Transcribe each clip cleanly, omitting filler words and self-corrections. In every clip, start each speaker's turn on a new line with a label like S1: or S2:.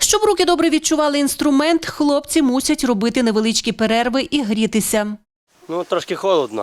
S1: Щоб руки добре відчували інструмент, хлопці мусять робити невеличкі перерви і грітися.
S2: Трошки холодно.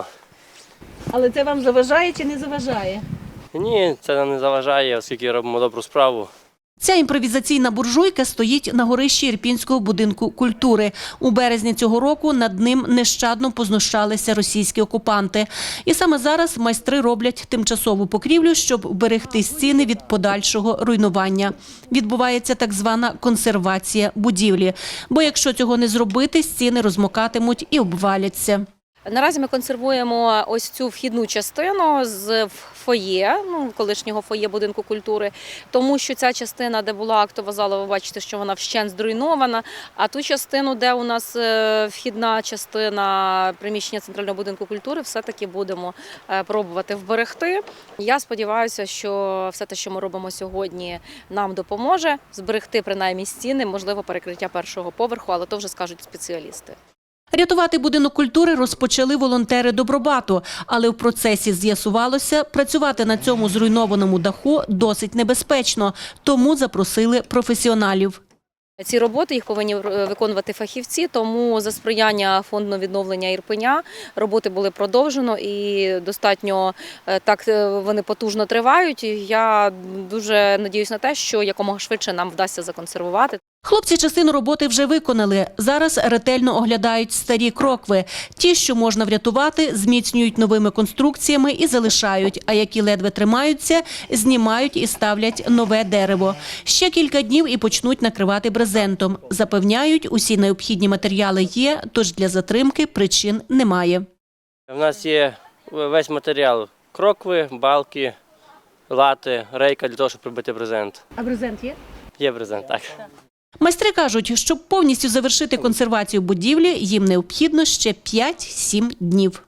S1: Але це вам заважає чи не заважає?
S2: Ні, це нам не заважає, оскільки робимо добру справу.
S1: Ця імпровізаційна буржуйка стоїть на горищі Ірпінського будинку культури. У березні цього року над ним нещадно познущалися російські окупанти. І саме зараз майстри роблять тимчасову покрівлю, щоб вберегти стіни від подальшого руйнування. Відбувається так звана консервація будівлі. Бо якщо цього не зробити, стіни розмокатимуть і обваляться.
S3: Наразі ми консервуємо ось цю вхідну частину з фоє, колишнього фоє будинку культури, тому що ця частина, де була актова зала, ви бачите, що вона вщент зруйнована, а ту частину, де у нас вхідна частина приміщення Центрального будинку культури, все-таки будемо пробувати вберегти. Я сподіваюся, що все те, що ми робимо сьогодні, нам допоможе зберегти принаймні стіни, можливо, перекриття першого поверху, але то вже скажуть спеціалісти.
S1: Рятувати будинок культури розпочали волонтери Добробату, але в процесі з'ясувалося, працювати на цьому зруйнованому даху досить небезпечно, тому запросили професіоналів.
S3: Ці роботи їх повинні виконувати фахівці, тому за сприяння Фонду відновлення Ірпеня роботи були продовжено і достатньо так вони потужно тривають. Я дуже надіюсь на те, що якомога швидше нам вдасться законсервувати.
S1: Хлопці частину роботи вже виконали. Зараз ретельно оглядають старі крокви. Ті, що можна врятувати, зміцнюють новими конструкціями і залишають, а які ледве тримаються, знімають і ставлять нове дерево. Ще кілька днів і почнуть накривати брезентом. Запевняють, усі необхідні матеріали є, тож для затримки причин немає.
S2: У нас є весь матеріал – крокви, балки, лати, рейка для того, щоб прибити брезент.
S1: А брезент є?
S2: Є брезент, так.
S1: Майстри кажуть, щоб повністю завершити консервацію будівлі, їм необхідно ще 5-7 днів.